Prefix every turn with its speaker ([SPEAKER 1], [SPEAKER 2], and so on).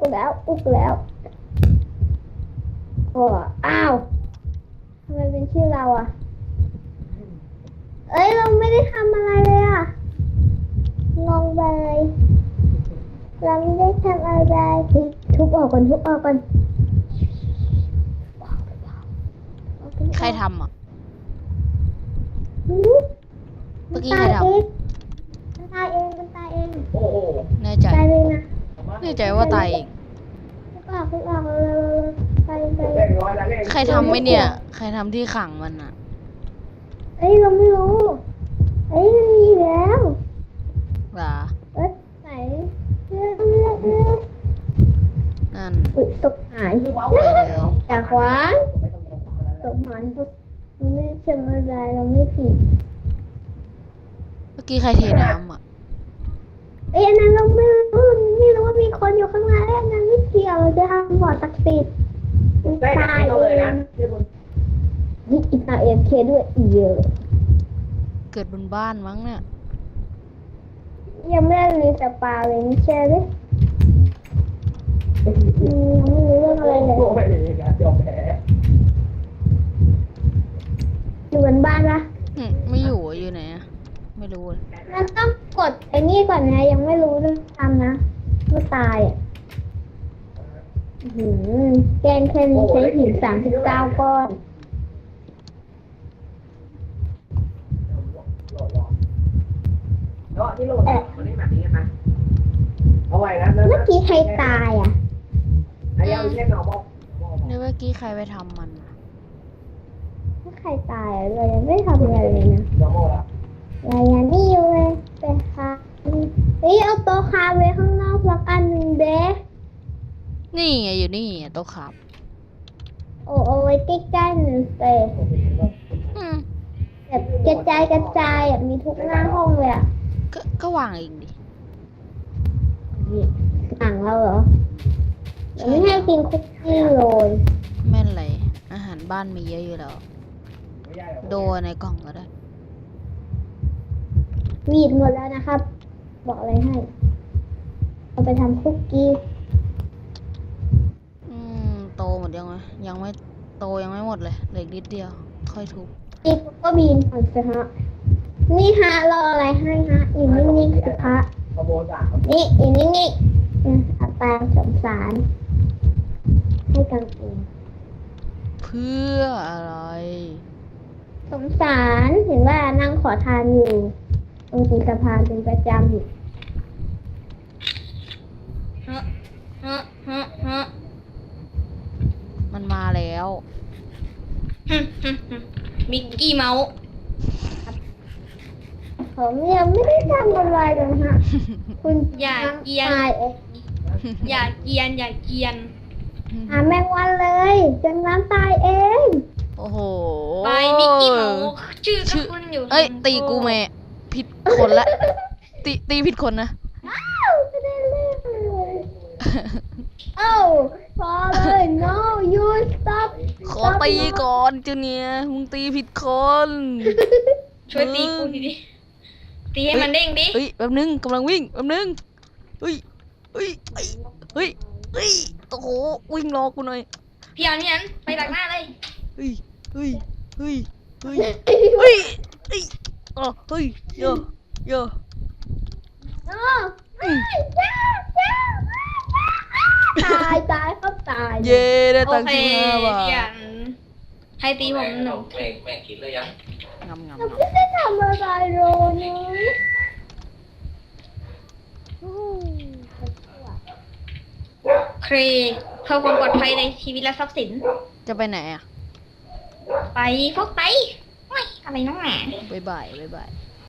[SPEAKER 1] แล้วโอ้อ้าวทำไมเป็นชื่อเราอ่ะเอ้ยเราไม่ได้ทำอะไรเลยอ่ะงงไปเลยเราไม่ได้ทำอะไรทุบออกก่อน
[SPEAKER 2] ใครทำอ่ะ
[SPEAKER 1] หืม
[SPEAKER 2] เมื่อกี้ใครทำ
[SPEAKER 1] มันตายเอง
[SPEAKER 2] แน่ใจ
[SPEAKER 1] ตายเลยนะ
[SPEAKER 2] แน่ใจว่าตายเอง
[SPEAKER 1] ทุบออกเลยไป
[SPEAKER 2] ใครทำไหมเนี่ย ใครทำที่ขังมันอ่ะ
[SPEAKER 1] เอ้ยเราไม่รู้เอ้ยมันมีแล้ว
[SPEAKER 2] ว่า
[SPEAKER 1] ไหนเลือก
[SPEAKER 2] นั่น
[SPEAKER 1] อุ๊ยตกหายจากขวานตกหายมันไม่ใช่อะไรเราไม่ผิด
[SPEAKER 2] เมื่อกี้ใครเทน้ำอ่ะ
[SPEAKER 1] เอ้ยอันนั้นเราไม่รู้ว่ามีคนอยู่ข้างในอันนั้นไม่เกี่ยวเราจะทำบ่อศักดิ์สิทธิ์ตายเองนี่อีตาเอ็มเคด้วยเยอะ
[SPEAKER 2] เกิดบนบ้านมั้งเนี่ย
[SPEAKER 1] ยังไม่ได้รีสปาเลยไม่ใช่เลยยังไม่รู้เรื่องอะไรเลยอยู่บนบ้านปะ
[SPEAKER 2] ไม่อยู่อะอยู่ไหนอะไม่รู้เลย
[SPEAKER 1] มันต้องกดไอ้นี่ก่อนนะยังไม่รู้เรื่องทำนะว่าตายอ่ะแกงแค่นี้ใช้หิน39 ก้อน
[SPEAKER 3] ที่โหลดมันได้แบบนี้นะเอาไว้นะ
[SPEAKER 1] เมื่อกี้ใครตายอ่ะ
[SPEAKER 3] อันนี้เอาเช็คเอาบอก
[SPEAKER 2] เนี่ยเมื่อกี้ใครไปทำมันอะ
[SPEAKER 1] ถ้าใครตายเรายังไม่ทำอะไรเลยนะ
[SPEAKER 3] เดี๋ยวโม่ละ
[SPEAKER 1] เรายังนี่อยู่เลยไปค่ะเฮ้ยเอาโต๊ะคาไว้ข้างนอกสักอันหนึ่งเด้
[SPEAKER 2] นี่ไงอยู่นี่อะโต๊ะขับ
[SPEAKER 1] โอ้เอาไว้ใกล้ๆหนึ่งเตะ
[SPEAKER 2] อืม
[SPEAKER 1] แบบกระจายอ่ะมีทุกหน้าห้องเลยอ่ะ
[SPEAKER 2] ก็วางเองดิ
[SPEAKER 1] หนังเราเหรอเราไม่ให้กินคุกกี้เลย
[SPEAKER 2] แม่นเลยอาหารบ้านมีเยอะอยู่แล้ว โดในกล่องก็ได้
[SPEAKER 1] วีดหมดแล้วนะครับ บอกอะไรให้เอาไปทำคุกกี้
[SPEAKER 2] โตหมดยังไงยังไม่โตยังไม่หมดเลยเหลืออีกนิดเดียว ค่อยทุบ
[SPEAKER 1] อีกก็บีนก่อนสิฮะนี่ฮะรออะไรให้ฮะอยู่นิ่งๆสิฮะ
[SPEAKER 3] ขโมยจาก
[SPEAKER 1] นี่อยู่นิ่งๆเอาตามสงสารให้กันเอง
[SPEAKER 2] เพื่ออะไร
[SPEAKER 1] สงสารเห็นว่านั่งขอทานอยู่ตรงตีนสะพานเป็นประจำอยู่
[SPEAKER 2] มันมาแล้ว
[SPEAKER 4] มิกกี้เมาส์
[SPEAKER 1] ผมยังไม่ได้ทำอะไรเลยฮะ คุณ
[SPEAKER 4] อย่าเกียน
[SPEAKER 1] ตายเอง
[SPEAKER 4] อย่าเกียน อย่าเกียน
[SPEAKER 1] หาแมงวันเลยจนน้ำตายเอง
[SPEAKER 2] โอ้โห
[SPEAKER 4] ไปมิกกี้เมาส์ชื่อก็คุณอยู่
[SPEAKER 2] เอ้ย ตีกูแม่ผิดคนละ ตีผิดคนนะ
[SPEAKER 1] อ้าวไม่ได้เล่นเลยเอ้าพอเลย no you stop
[SPEAKER 2] ขอตีก่อนจูเนียร์มึงตีผิดคน
[SPEAKER 4] ช่วยตีกูดิตีให้มันเด้งดิ
[SPEAKER 2] เฮ้ยแป๊บนึงกำลังวิ่งแป๊บนึงเฮ้ยเฮ้ยเฮ้ยเฮ้ยเฮ้ยโอ้โหวิ่งรอกูหน่อย
[SPEAKER 4] พี่เอานี่นั้นไปดักหน้าเลย
[SPEAKER 2] เฮ้ยเฮ้ยเฮ้ยเฮ้ยเฮ้ยเฮ้ยอ๋อเฮ้ยเยอะเยอะ
[SPEAKER 1] no ไม่ตายครับตาย
[SPEAKER 2] เย่ได้
[SPEAKER 4] โอ
[SPEAKER 2] ตังค์
[SPEAKER 4] เค
[SPEAKER 2] 15 บาท
[SPEAKER 4] พี่อันให้ตีผมหนึ่ง
[SPEAKER 3] แม่คิดเลยยัง
[SPEAKER 2] งำ
[SPEAKER 1] เราไม่ได้ทำอะไรเลยนะ
[SPEAKER 4] เครเพื่อความปลอดภัยในชีวิตและทรัพย์สิน
[SPEAKER 2] จะไปไหนอ่ะ
[SPEAKER 4] ไปพวกไปไม่อะไรน้องหนา
[SPEAKER 2] บ๊ายบายบ๊ายบาย